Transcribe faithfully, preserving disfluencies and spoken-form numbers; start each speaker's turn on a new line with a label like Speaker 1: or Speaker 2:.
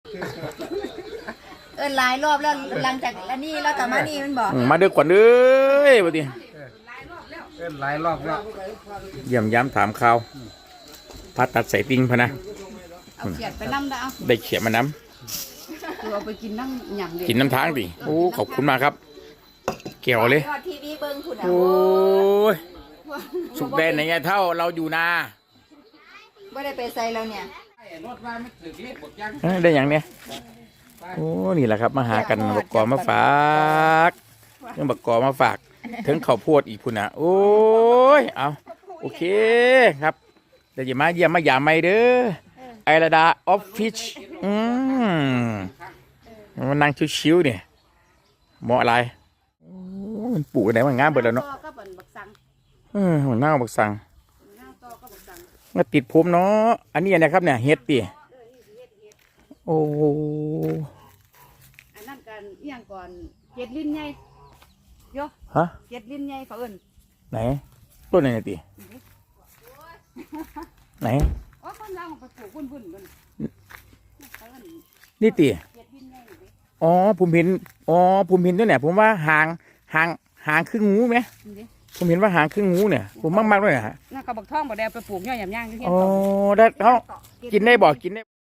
Speaker 1: เอินหลายรอบแล้วหลังจากอันนี้แล้วแต่มานี่มันบอก
Speaker 2: มาเด้อก่อนเอ้ยบัดนี้
Speaker 3: เอิ้นหลายรอบแล้ว
Speaker 2: เยี่ยมย้ำถามข่าวพัดตัดใส่ติ่งพะนะ
Speaker 1: เอาเขียดไปน้ำได้เอา
Speaker 2: ได้เขียดมาน้
Speaker 1: ำคือเอาไปกินน้ำหยำเด็
Speaker 2: ำกินน้ำทางดิโอ้ขอบคุณมากครับเกี่ยวเลย
Speaker 1: ทีวีเบิ้งคุณ
Speaker 2: โอ้ยสุกแดนไหนไงเท่าเราอยู่นา
Speaker 1: ไม่ได้ไปใส่เราเนี่ย
Speaker 2: ได้อย่างเนี้ยโอ้นี่แหละครับมาหากันบักกอมาฝากเรื่องบักกอมาฝากถึงข้าวโพดอีกพุ่นอ่ะโอ้ยเอาโอเคครับเดี๋ยวจะมาเยี่ยมมาหยามไม่เด้อไอระดาออฟฟิศอืมมันนั่งชิวๆเนี่ยเหมาะอะไรมันปลูกอะไรมันงามเบิดแล้วเนาะเออมันน่าบักสังมาติดผมเนาะอันนี้นะครับเนี่ยเฮ็ดปีโอ้
Speaker 1: อันนั้นกันเอียงก่อนเจ็ดลิ้นใหญ่โย
Speaker 2: ฮะ
Speaker 1: เจ็ดลิ้นใหญ่เขาเอิ้น
Speaker 2: ไหนต้นไหนตีไหน
Speaker 1: อ๋อคนเราไปปลูกวุ่นวุ่นกัน
Speaker 2: นี่ตีอ๋อผมเห็นอ๋อผมเห็นด้วยเนี่ยผมว่าหางหางหางครึ่งงูไหมผมเห็นว่าหางครึ่งงูเนี่ยผมมากๆด้วยนะฮะ
Speaker 1: น่ากระบอกท่องบอกแดงไปปลูกย่อยหยำย่างที่เที่ยง
Speaker 2: อ๋อได้เขากินได้บอกกินได้